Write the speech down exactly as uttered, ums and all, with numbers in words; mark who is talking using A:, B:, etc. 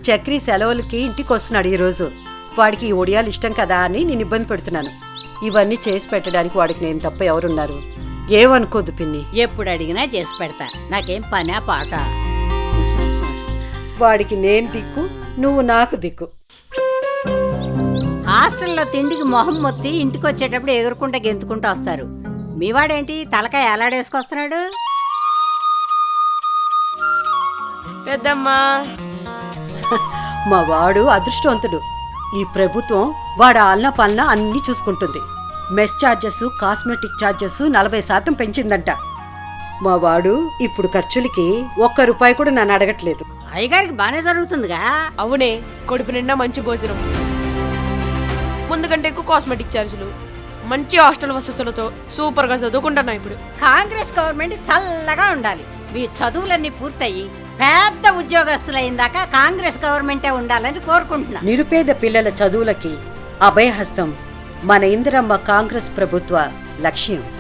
A: చక్రి సెలవులకి ఇంటికి వస్తున్నాడు ఈరోజు. వాడికి ఈ ఒడియాలు ఇష్టం కదా అని నేను ఇబ్బంది పెడుతున్నాను. ఇవన్నీ చేసి పెట్టడానికి వాడికి నేను తప్ప ఎవరున్నారు? ఏమనుకోద్దు పిన్ని.
B: ఎప్పుడు అడిగినా చేసి పెడతా, నాకేం పనా పాట.
A: వాడికి నేను దిక్కు, నువ్వు నాకు దిక్కు.
B: హాస్టల్లో తిండికి మొహం మొత్తి ఇంటికి వచ్చేటప్పుడు ఎగురుకుంటా గెంతుకుంటూ వస్తారు. మీవాడేంటి తలకాయ ఎలాడేసుకొస్తున్నాడు?
C: పెద్దమ్మా,
A: మా వాడు అదృష్టవంతుడు. ఈ ప్రభుత్వం వాడు ఆలన పాలన అన్నీ చూసుకుంటుంది. మెస్ ఛార్జెస్, కాస్మెటిక్ ఛార్జెస్ నలభై శాతం పెంచిందంట. మా వాడు ఇప్పుడు ఖర్చులకి ఒక్క రూపాయి కూడా నన్ను అడగట్లేదు.
B: అయ్యగారికి బానే జరుగుతుందిగా.
C: అవునే, కడుపు నిండా మంచి భోజనం, ముందు కంటే ఎక్కువ కాస్మెటిక్ ఛార్జీలు, మంచి హాస్టల్ వసతులతో సూపర్ గా చదువుకుంటున్నా. ఇప్పుడు
B: కాంగ్రెస్ గవర్నమెంట్ చల్లగా ఉండాలి. మీ చదువులన్నీ పూర్తయి పెద్ద ఉద్యోగస్తులైందాకా కాంగ్రెస్ గవర్నమెంటే ఉండాలని కోరుకుంటున్నా.
A: నిరుపేద పిల్లల చదువులకి అభయహస్తం మన ఇందిరమ్మ కాంగ్రెస్ ప్రభుత్వ లక్ష్యం.